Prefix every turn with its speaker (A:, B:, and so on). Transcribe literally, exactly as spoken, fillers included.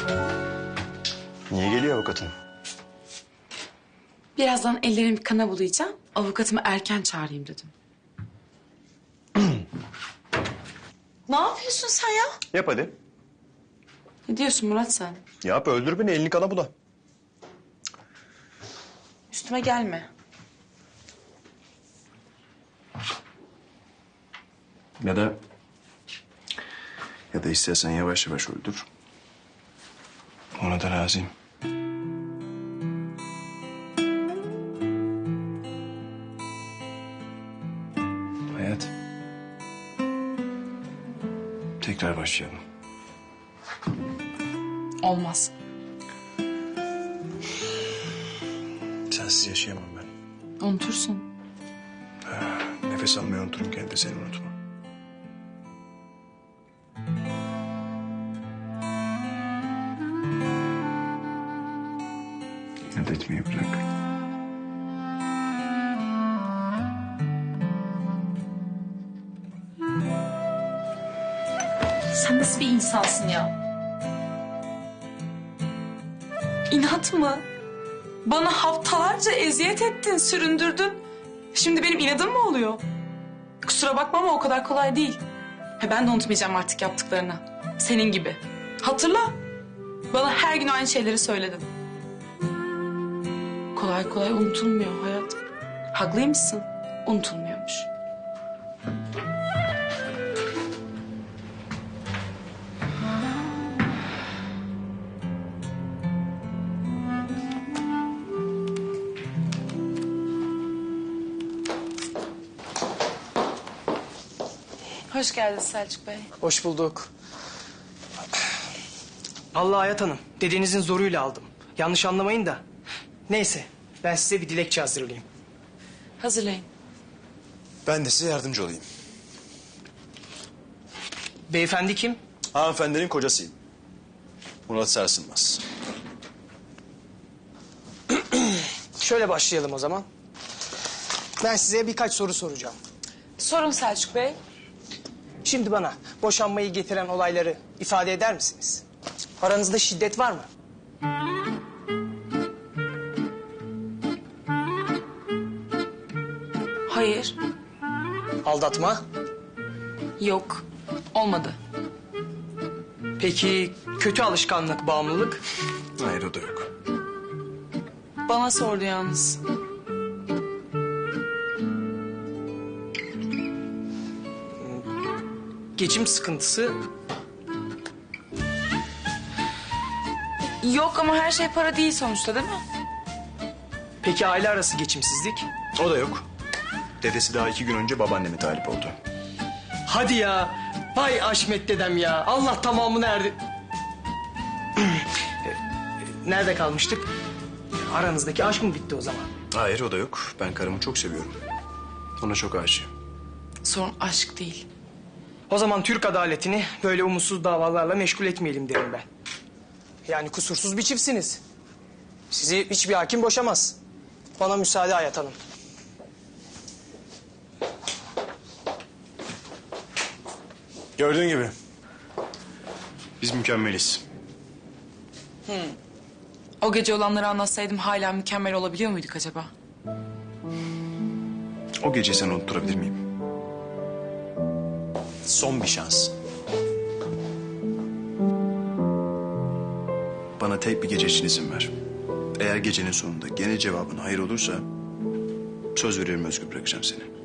A: Niye geliyor avukatın?
B: Birazdan ellerimi kana bulayacağım. Avukatımı erken çağırayım dedim. Ne yapıyorsun sen ya?
A: Yap hadi.
B: Ne diyorsun Murat sen?
A: Yap, öldür beni, elini kana bula.
B: Üstüme gelme.
A: Ya da... Ya da istersen yavaş yavaş öldür. Ona da razıyım. Hayat. Tekrar başlayalım.
B: Olmaz.
A: Sensiz yaşayamam ben.
B: Unutursun.
A: Nefes almayı unuturum, gene de seni unutma. İnat etmeyi bırak.
B: Sen nasıl bir insansın ya? İnat mı? Bana haftalarca eziyet ettin, süründürdün. Şimdi benim inadım mı oluyor? Kusura bakma ama o kadar kolay değil. He, ben de unutmayacağım artık yaptıklarını. Senin gibi. Hatırla. Bana her gün aynı şeyleri söyledin. Kolay kolay unutulmuyor hayat. Haklıymışsın. Unutulmuyormuş. Hoş geldiniz Selçuk Bey.
C: Hoş bulduk. Allah Hayat Hanım, dedenizin zoruyla aldım. Yanlış anlamayın da. Neyse, ben size bir dilekçe hazırlayayım.
B: Hazırlayın.
A: Ben de size yardımcı olayım.
C: Beyefendi kim?
A: Hanımefendinin kocasıyım. Murat Sarsılmaz.
C: Şöyle başlayalım o zaman. Ben size birkaç soru soracağım.
B: Sorun Selçuk Bey.
C: Şimdi bana boşanmayı getiren olayları ifade eder misiniz? Aranızda şiddet var mı?
B: Hayır.
C: Aldatma?
B: Yok. Olmadı.
C: Peki kötü alışkanlık, bağımlılık?
A: Hayır, o da yok.
B: Bana sordu yalnız.
C: Geçim sıkıntısı?
B: Yok ama her şey para değil sonuçta değil mi?
C: Peki aile arası geçimsizlik?
A: O da yok. Dedesi daha iki gün önce babaanneme talip oldu.
C: Hadi ya. Vay Aşmet dedem ya. Allah tamamını erdi. Nerede kalmıştık? Aranızdaki aşk mı bitti o zaman?
A: Hayır, o da yok. Ben karımı çok seviyorum. Ona çok aşığım.
B: Sorun aşk değil.
C: O zaman Türk adaletini böyle umutsuz davalarla meşgul etmeyelim derim ben. Yani kusursuz bir çiftsiniz. Sizi hiçbir hakim boşamaz. Bana müsaade Hayat Hanım.
A: Gördüğün gibi. Biz mükemmeliz.
B: O gece olanları anlatsaydım hala mükemmel olabiliyor muyduk acaba?
A: O gece seni unutturabilir miyim? Son bir şans. Bana tek bir gece için izin ver. Eğer gecenin sonunda gene cevabın hayır olursa... ...söz veriyorum özgür bırakacağım seni.